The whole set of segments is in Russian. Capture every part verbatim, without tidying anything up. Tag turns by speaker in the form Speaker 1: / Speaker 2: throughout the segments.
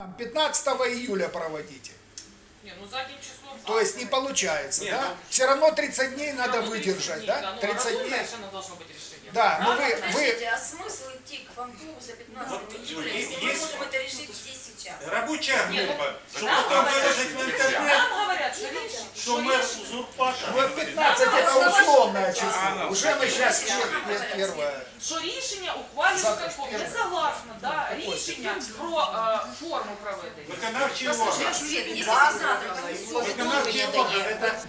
Speaker 1: пятнадцатого июля проводите.
Speaker 2: Не, ну задним числом.
Speaker 1: То есть не получается,
Speaker 3: Нет,
Speaker 1: да?
Speaker 3: ну,
Speaker 1: Все равно тридцать дней надо
Speaker 2: Ну,
Speaker 1: выдержать,
Speaker 2: дней,
Speaker 1: да?
Speaker 2: Ну,
Speaker 1: тридцать дней.
Speaker 2: совершенно должно быть решение.
Speaker 1: Да, но вы,
Speaker 4: Подождите,
Speaker 1: вы,
Speaker 4: а смысл идти к Панкову за пятнадцатого
Speaker 3: Вот,
Speaker 4: июля,
Speaker 3: есть-
Speaker 4: если мы
Speaker 3: есть-
Speaker 4: можем это решить здесь сейчас?
Speaker 3: Рабочая
Speaker 2: Нет, ну,
Speaker 3: группа, чтобы
Speaker 2: нам
Speaker 3: там
Speaker 2: говорят,
Speaker 3: выложить в интернет,
Speaker 2: Нам говорят, что речь,
Speaker 3: что мэр узурпатор.
Speaker 1: вот пятнадцать это условное число. Уже мы сейчас первое.
Speaker 2: що рішення ухвалює
Speaker 1: Завтра
Speaker 2: Верховний.
Speaker 1: ж
Speaker 2: Я
Speaker 1: перше.
Speaker 2: согласна, да, рішення про е, форму проведення.
Speaker 3: Виконавчий
Speaker 4: Послушай,
Speaker 3: орган.
Speaker 4: Свет, если вы завтра
Speaker 3: Виконавчий орган это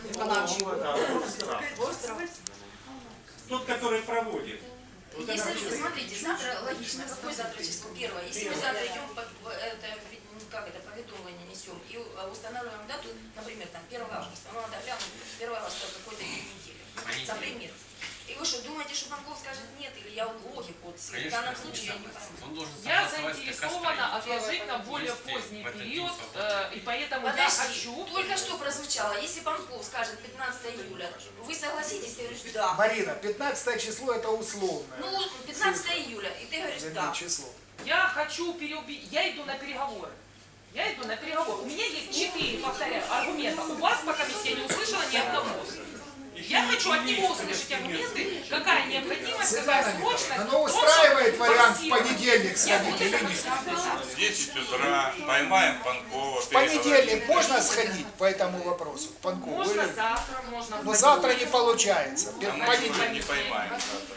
Speaker 3: тот, который проводит.
Speaker 4: Если, смотрите, завтра логично, какое завтра число? Первое. Если мы завтра идем, по, по- это, ну, как это, поведомление несем и э, устанавливаем дату, например, там, первого августа, ну, надо глянуть, первого августа какой-то день недели, например. И вы что, думаете, что Панков скажет нет, или я логику, вот, в данном случае я не пойму.
Speaker 2: Я заинтересована отложить на более поздний период, э, и поэтому я
Speaker 4: Подожди,
Speaker 2: хочу...
Speaker 4: только что прозвучало, если Панков скажет пятнадцатого июля, вы согласитесь, ты говоришь, да.
Speaker 1: Марина, пятнадцатое число это условное.
Speaker 4: Ну, пятнадцатого июля, и ты говоришь,
Speaker 1: Вернее,
Speaker 4: да.
Speaker 1: число.
Speaker 2: Я хочу переубедить, я иду на переговоры. Я иду на переговоры. У меня есть четыре, повторяю, аргумента. У вас пока я не услышала ни одного. Я хочу от него услышать аргументы, какая необходимость, какая
Speaker 1: Светлана
Speaker 2: срочность.
Speaker 1: Михайловна, оно устраивает
Speaker 2: Он
Speaker 1: вариант в
Speaker 2: форсирует.
Speaker 1: понедельник
Speaker 2: Я
Speaker 1: сходить
Speaker 2: буду
Speaker 1: или
Speaker 2: это
Speaker 1: нет?
Speaker 2: слушать.
Speaker 5: В десять утра поймаем Панкова.
Speaker 1: В понедельник можно сходить по этому вопросу к Панкову?
Speaker 2: Можно
Speaker 1: Или-
Speaker 2: завтра, можно... в
Speaker 1: Но завтра не
Speaker 2: понедельник.
Speaker 1: получается.
Speaker 5: А
Speaker 1: В
Speaker 5: мы уже
Speaker 1: понедельник.
Speaker 5: не поймаем завтра.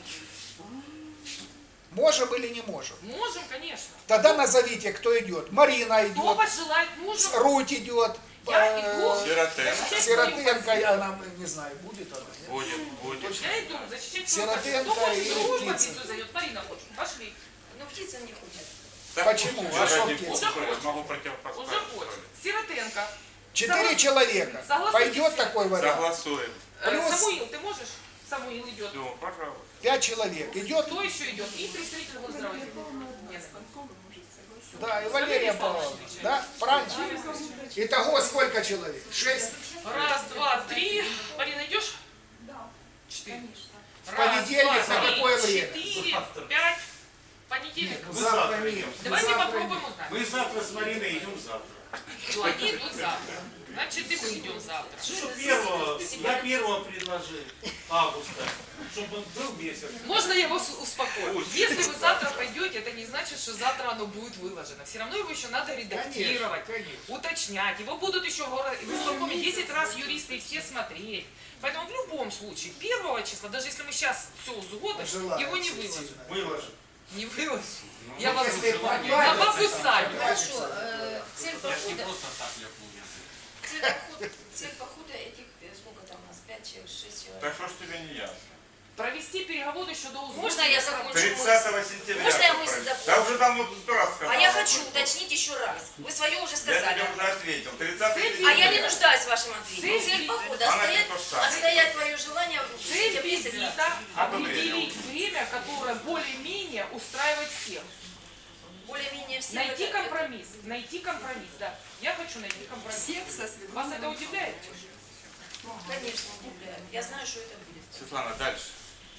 Speaker 1: Можем или не можем?
Speaker 2: Можем, конечно.
Speaker 1: Тогда назовите, кто идет. Марина
Speaker 2: Кто
Speaker 1: идет,
Speaker 2: пожелает мужу,
Speaker 1: Руть идет,
Speaker 2: я
Speaker 1: э,
Speaker 2: иду
Speaker 5: Сиротенко.
Speaker 2: защищать
Speaker 1: Сиротенко,
Speaker 2: свою
Speaker 1: она, не знаю, будет она, нет?
Speaker 5: Будет, будет.
Speaker 2: позицию. Я иду защищать свою
Speaker 1: Сиротенко
Speaker 2: позицию. Кто хочет
Speaker 1: и
Speaker 2: другую
Speaker 1: Птицын.
Speaker 2: позицию зайдет? Марина хочет. Пошли.
Speaker 4: Но птица не хочет.
Speaker 5: Так,
Speaker 1: Почему?
Speaker 5: вот,
Speaker 1: А что
Speaker 5: ради
Speaker 1: птица?
Speaker 5: бога,
Speaker 2: Уже
Speaker 5: могу
Speaker 2: Уже
Speaker 5: противопоставить.
Speaker 2: хочет. Сиротенко.
Speaker 1: Четыре
Speaker 2: Соглас-
Speaker 1: человека.
Speaker 2: Согласитесь?
Speaker 1: Пойдет такой вариант?
Speaker 5: Согласуем.
Speaker 2: Э,
Speaker 1: Плюс-
Speaker 2: Самуил, ты можешь? Самуил идет.
Speaker 5: Все, пожалуйста.
Speaker 1: Пять человек. Идет,
Speaker 2: Кто еще идет? И представитель Госздравоохранения. Нет.
Speaker 1: да, и Валерия Павловна. Да, правильно? Итого сколько человек? Шесть?
Speaker 2: Раз, два, три. Марина, идешь? Четыре.
Speaker 1: В понедельник на какое время?
Speaker 2: Четыре, пять. Понедельник.
Speaker 3: Вы
Speaker 1: Завтра
Speaker 3: завтра
Speaker 1: нет.
Speaker 3: идем.
Speaker 2: Давайте
Speaker 1: завтра
Speaker 2: попробуем узнать.
Speaker 3: Мы завтра с Мариной идем завтра.
Speaker 2: Ну, они идут завтра. Значит, и мы идем завтра.
Speaker 3: Что первого, я первого предложил августа, чтобы был месяц.
Speaker 2: Можно я его с- успокою? Если вы завтра пойдете, это не значит, что завтра оно будет выложено. Все равно его еще надо редактировать,
Speaker 1: Конечно, конечно.
Speaker 2: уточнять. Его будут еще в горо- в исполкоме десять раз юристы и все смотреть. Поэтому в любом случае, первого числа, даже если мы сейчас все узгодим,
Speaker 1: Желаю,
Speaker 2: его не
Speaker 1: действительно.
Speaker 2: выложим.
Speaker 3: Выложим.
Speaker 2: Не выложим. Я вас
Speaker 1: если
Speaker 2: на
Speaker 1: понравится,
Speaker 2: бабу Саню.
Speaker 4: Хорошо, э, цель похода, цель похода, цель похода этих, э, сколько там у нас, пять человек, шесть человек.
Speaker 5: Так что ж тебе не ясно?
Speaker 2: Провести переговоры еще до узгода.
Speaker 4: Можно я закончу мысль?
Speaker 5: тридцатого сентября.
Speaker 4: Можно я
Speaker 5: тут
Speaker 4: мысль
Speaker 5: правильно.
Speaker 4: закончу?
Speaker 5: Да уже давно сто раз сказал.
Speaker 4: А я хочу уточнить еще раз. Вы свое уже
Speaker 5: Я
Speaker 4: сказали.
Speaker 5: тебе уже ответил. тридцатого
Speaker 2: Цель
Speaker 5: сентября.
Speaker 4: А я не нуждаюсь в вашем ответе.
Speaker 2: Цель
Speaker 4: Цель похода,
Speaker 5: Она
Speaker 4: отстоять,
Speaker 5: не то же самое.
Speaker 4: отстоять твое желание в
Speaker 2: Цель
Speaker 4: сентябре
Speaker 2: визита
Speaker 4: собираться.
Speaker 2: – определить время, которое более-менее устраивает всех.
Speaker 4: Более-менее все.
Speaker 2: Найти
Speaker 4: это-
Speaker 2: компромисс. Найти компромисс, да. Я хочу найти компромисс. Вас это удивляет?
Speaker 4: Конечно, удивляет. Я знаю, что это будет.
Speaker 5: Светлана, дальше.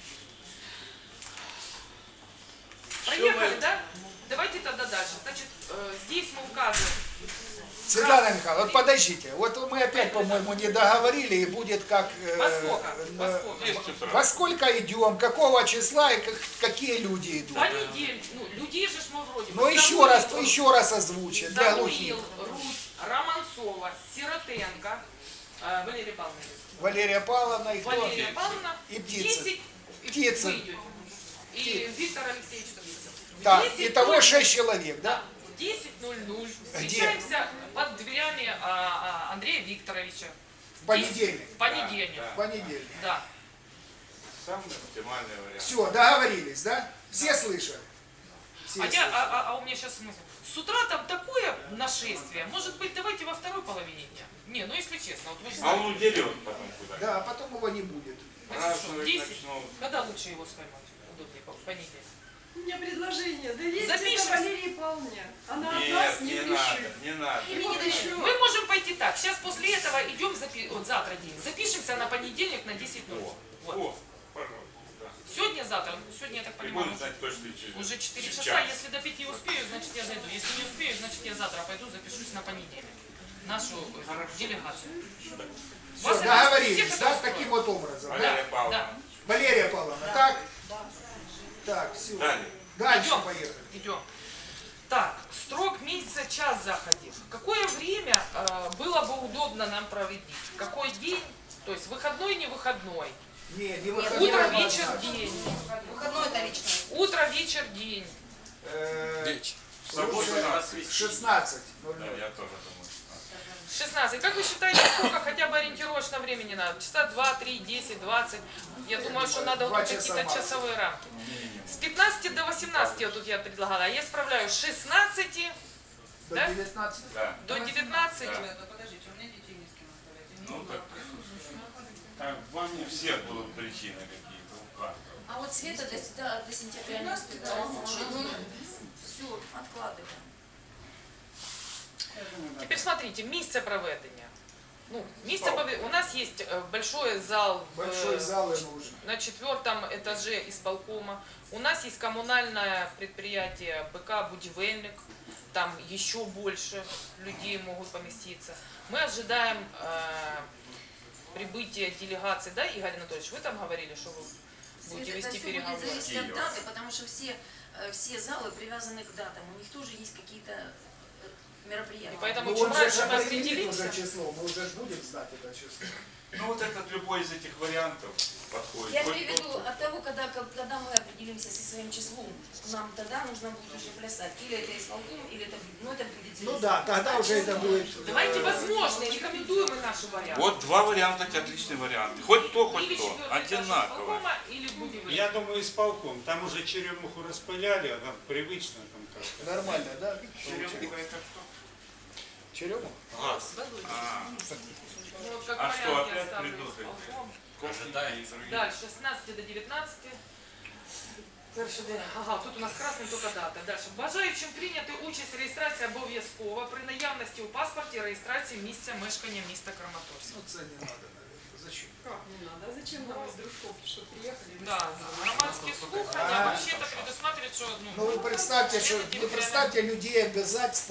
Speaker 2: Проехали, да? Давайте тогда дальше. Значит, э, здесь мы указываем.
Speaker 1: Светлана Михайловна, вот подождите. Вот мы опять, по-моему, не договорили, и будет как... э,
Speaker 2: Во сколько? Во
Speaker 1: э,
Speaker 2: сколько?
Speaker 5: десять утра.
Speaker 1: Во сколько идем, какого числа и как- какие люди идут.
Speaker 2: Понедельник. Ну, людей же ж мы вроде.
Speaker 1: Но еще раз, еще раз озвучить для глухих.
Speaker 2: Самуил, Руть, Романцова, Сиротенко, э, Валерия Павловна.
Speaker 1: Валерия Павловна и кто?
Speaker 2: Валерия Павловна.
Speaker 1: И Птицын.
Speaker 2: десять, и
Speaker 1: Птицын.
Speaker 2: вы идете. И Виктор Алексеевич.
Speaker 1: Да,
Speaker 2: десять
Speaker 1: итого
Speaker 2: ноль-
Speaker 1: шесть человек, да?
Speaker 2: Да, в десять ноль ноль встречаемся под дверями а, а, Андрея Викторовича.
Speaker 1: В понедельник.
Speaker 2: В понедельник,
Speaker 5: Да,
Speaker 1: В понедельник.
Speaker 2: да.
Speaker 5: Самый оптимальный вариант.
Speaker 1: Все, договорились, да? Все слышали? Все
Speaker 2: А, я,
Speaker 1: слышали.
Speaker 2: а, а- а у меня сейчас смысл. С утра там такое нашествие. Может быть, давайте во второй половине дня. Не, ну если честно, вот вы же
Speaker 5: А
Speaker 2: знаете.
Speaker 5: он удерет потом куда.
Speaker 1: Да, а потом его не будет.
Speaker 2: Значит, что,
Speaker 5: Праздновать
Speaker 2: десять?
Speaker 5: начнут.
Speaker 2: Когда лучше его споймать? Удобнее, по- в понедельник.
Speaker 6: У меня предложение. Да есть
Speaker 2: Запишем.
Speaker 6: это Валерии Павловне. Она от
Speaker 5: Нет,
Speaker 6: нас не
Speaker 5: не
Speaker 6: пишет.
Speaker 5: надо, не надо.
Speaker 6: Вот еще.
Speaker 2: Мы можем пойти так. Сейчас после этого идем, запи... вот завтра день. Запишемся на понедельник на десять ноль.
Speaker 5: О,
Speaker 2: Вот.
Speaker 5: о, пожалуйста. Да.
Speaker 2: Сегодня завтра. Сегодня, я так
Speaker 5: И
Speaker 2: понимаю,
Speaker 5: будем знать точно через
Speaker 2: уже четыре
Speaker 5: через
Speaker 2: часа.
Speaker 5: час.
Speaker 2: Если до пяти успею, значит я зайду. Если не успею, значит я завтра пойду, запишусь на понедельник. Нашу э, делегацию.
Speaker 1: Все,
Speaker 2: Вас это
Speaker 1: договорились,
Speaker 2: всех это
Speaker 1: да,
Speaker 2: устроит?
Speaker 1: таким вот образом. Да?
Speaker 5: Валерия Павловна.
Speaker 2: Да.
Speaker 1: Валерия Павловна, так? Так, все.
Speaker 5: Далее.
Speaker 1: Дальше
Speaker 2: Идем.
Speaker 1: поехали.
Speaker 2: Идем. Так, срок месяца, час заходил. Какое время э, было бы удобно нам проводить? Какой день? То есть выходной, не выходной.
Speaker 1: Не, не выходной.
Speaker 2: Утро,
Speaker 1: однозначно.
Speaker 2: вечер, день.
Speaker 4: Выходной это лично.
Speaker 2: Утро, вечер, день.
Speaker 1: Э,
Speaker 5: В субботу
Speaker 1: лучше
Speaker 5: на
Speaker 1: шестнадцать ноль
Speaker 5: Да,
Speaker 1: ноль.
Speaker 5: я тоже думаю.
Speaker 2: шестнадцать. Как вы считаете, сколько хотя бы ориентировочно времени надо? Часа два, три, десять, двадцать? Я думаю, что надо
Speaker 1: Два
Speaker 2: вот
Speaker 1: часа
Speaker 2: какие-то
Speaker 1: максимум.
Speaker 2: часовые рамки. С пятнадцати до восемнадцати вот тут я предлагала. А я справляюсь с шестнадцати
Speaker 1: До
Speaker 2: Да?
Speaker 1: девятнадцати.
Speaker 5: Да.
Speaker 2: до девятнадцати.
Speaker 5: Да. Ну так, так вам не все будут причины какие-то у каждого.
Speaker 4: А вот Света до, до, до сентября не успевает. Все, откладываем.
Speaker 2: Теперь смотрите, місце проведення. Ну, місце пове- у нас есть э, большой зал, в,
Speaker 1: Большой
Speaker 2: э,
Speaker 1: зал и нужен.
Speaker 2: на четвертом этаже исполкома. У нас есть коммунальное предприятие БК «Будивельник». Там еще больше людей могут поместиться. Мы ожидаем э, прибытия делегации, да, Игорь Анатольевич? Вы там говорили, что вы будете
Speaker 4: Это
Speaker 2: вести
Speaker 4: все будет
Speaker 2: переговоры.
Speaker 4: зависеть от даты, потому что все, э, все залы привязаны к датам. У них тоже есть какие-то э, мероприятия.
Speaker 2: И поэтому
Speaker 1: Ну
Speaker 2: чем
Speaker 1: он же
Speaker 2: раньше мы
Speaker 1: определит уже
Speaker 2: определимся,
Speaker 1: число, мы уже ж будем знать это число.
Speaker 5: Ну вот этот любой из этих вариантов подходит.
Speaker 4: Я
Speaker 5: Хоть
Speaker 4: имею в
Speaker 5: тот,
Speaker 4: виду от того, когда, когда мы определимся со своим числом, нам тогда нужно будет уже плясать. Или это исполком, или это, ну, это будет
Speaker 1: Ну
Speaker 4: зависеть.
Speaker 1: да, тогда уже это будет.
Speaker 2: давайте возможные, рекомендуем и наши варианты.
Speaker 5: Вот два варианта, эти отличные варианты. Хоть то, хоть
Speaker 2: Или
Speaker 5: то.
Speaker 2: четвертый этаж
Speaker 5: Одинаково.
Speaker 2: исполкома, или Будивельник.
Speaker 7: Я думаю, исполком. Там уже черемуху распыляли, она привычно там как-то.
Speaker 1: Нормально, да?
Speaker 5: Черемуха это что?
Speaker 1: Черемух?
Speaker 5: Газ. А,
Speaker 2: Ну, вот как
Speaker 5: А что,
Speaker 2: вариант я
Speaker 5: опять
Speaker 2: ставлю
Speaker 5: придут эти?
Speaker 2: исполком.
Speaker 5: кофе и другие.
Speaker 2: Дальше, с шестнадцати до девятнадцати. Дальше, де- ага, тут у нас красний тільки дата. Дальше. Бажаючим прийняти участь в реєстрації обов'язково при наявності у паспорті реєстрації місця мешкання міста Краматорськ.
Speaker 1: Ну це не надо, наверное. Зачем?
Speaker 6: Как не надо? А зачем нам из Дружковки, что приехали?
Speaker 2: Да, громадські слухання,
Speaker 1: А.
Speaker 2: вообще-то предусматривает, що ну,
Speaker 1: Ну вы представьте, что вы представьте людей обязать